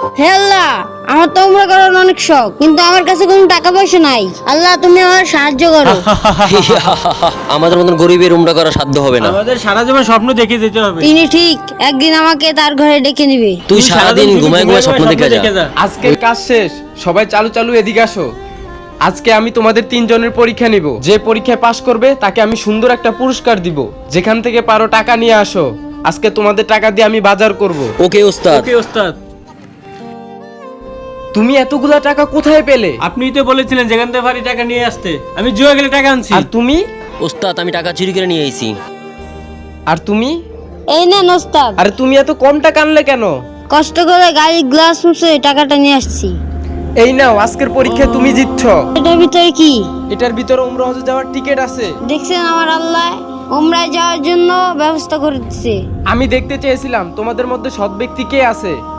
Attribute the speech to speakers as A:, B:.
A: হে আল্লাহ, আমার তো উমরা করার অনেক শখ, কিন্তু আমার কাছে কোনো টাকা পয়সা নাই। আল্লাহ, তুমি আমার সাহায্য করো।
B: আমাদের মতন গরিবের উমরা করা সাধ্য হবে না।
C: আমাদের সারা জীবন স্বপ্ন দেখে যেতে হবে।
A: তিনি ঠিক একদিন আমাকে তার ঘরে ডেকে নিবে।
B: তুই সারাদিন
C: শুধু
B: ঘুমায় ঘুমায় স্বপ্ন দেখে যা।
D: আজকের কাজ শেষ, সবাই চালু চালু এদিকে আসো। আজকে আমি তোমাদের তিনজনের পরীক্ষা নিব। যে পরীক্ষায় পাশ করবে তাকে আমি সুন্দর একটা পুরস্কার দিব। যেখান থেকে পারো টাকা নিয়ে আসো। আজকে তোমাদের টাকা দিয়ে আমি বাজার করব।
B: ওকে ওস্তাদ।
C: ওকে ওস্তাদ,
D: তুমি এতগুলা টাকা কোথায় পেলে?
C: আপনিই তো বলেছিলেন যেখান থেকে পারি টাকা নিয়ে আসতে। আমি জুয়া গেলে টাকা আনছি।
D: আর তুমি?
B: ওস্তাদ আমি টাকা চুরি করে নিয়ে আইছি।
D: আর তুমি?
A: এই নেন ওস্তাদ।
D: আরে তুমি এত কম টাকা আনলে কেন?
A: কষ্ট করে গাড়ির গ্লাস মুছে টাকাটা নিয়ে আসছি।
D: এই নাও, আজকের পরীক্ষায় তুমি জিতছো।
A: এটার ভিতরে কি?
D: এটার ভিতরে উমরা হজে যাওয়ার টিকিট আছে।
A: দেখছেন, আমার আল্লাহ উমরায় যাওয়ার জন্য ব্যবস্থা করে দিচ্ছে।
D: আমি দেখতে চেয়েছিলাম তোমাদের মধ্যে সৎ ব্যক্তি কে আছে।